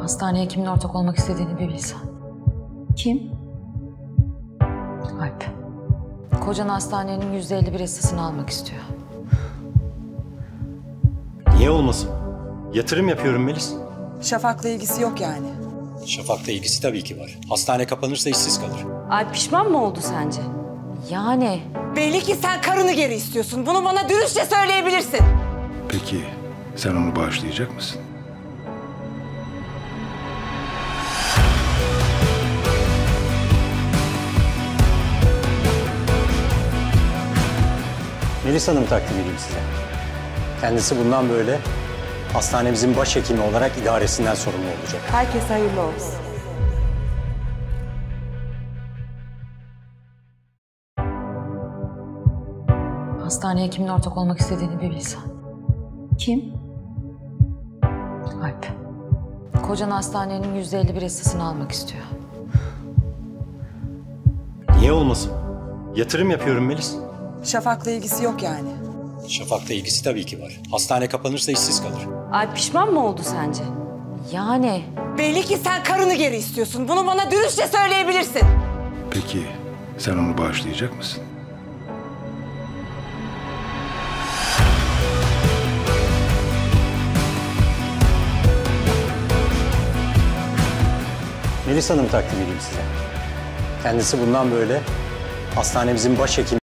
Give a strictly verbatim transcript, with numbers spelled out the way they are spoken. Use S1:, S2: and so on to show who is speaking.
S1: Hastaneye kimin ortak olmak istediğini bir bilsen.
S2: Kim?
S1: Alp. Kocan hastanenin yüzde elli bir hissesini almak istiyor.
S3: Niye olmasın? Yatırım yapıyorum Melis.
S4: Şafak'la ilgisi yok yani.
S3: Şafak'la ilgisi tabii ki var. Hastane kapanırsa işsiz kalır.
S2: Alp pişman mı oldu sence?
S1: Yani
S4: Belli ki sen karını geri istiyorsun. Bunu bana dürüstçe söyleyebilirsin.
S5: Peki sen onu bağışlayacak mısın?
S3: Melis Hanım takdim edeyim size. Kendisi bundan böyle hastanemizin başhekimi olarak idaresinden sorumlu olacak.
S4: Herkese hayırlı olsun.
S1: hastaneye kimin ortak olmak istediğini bir bilsen.
S2: Kim?
S1: Alp. Kocan hastanenin yüzde elli bir hissesini almak istiyor.
S3: Niye olmasın? Yatırım yapıyorum Melis.
S4: Şafak'la ilgisi yok yani.
S3: Şafak'la ilgisi tabii ki var. Hastane kapanırsa işsiz kalır.
S2: Alp pişman mı oldu sence?
S1: Yani
S4: Belli ki sen karını geri istiyorsun. Bunu bana dürüstçe söyleyebilirsin.
S5: Peki sen onu bağışlayacak mısın?
S3: Melis Hanım takdim edeyim size. Kendisi bundan böyle hastanemizin başhekimi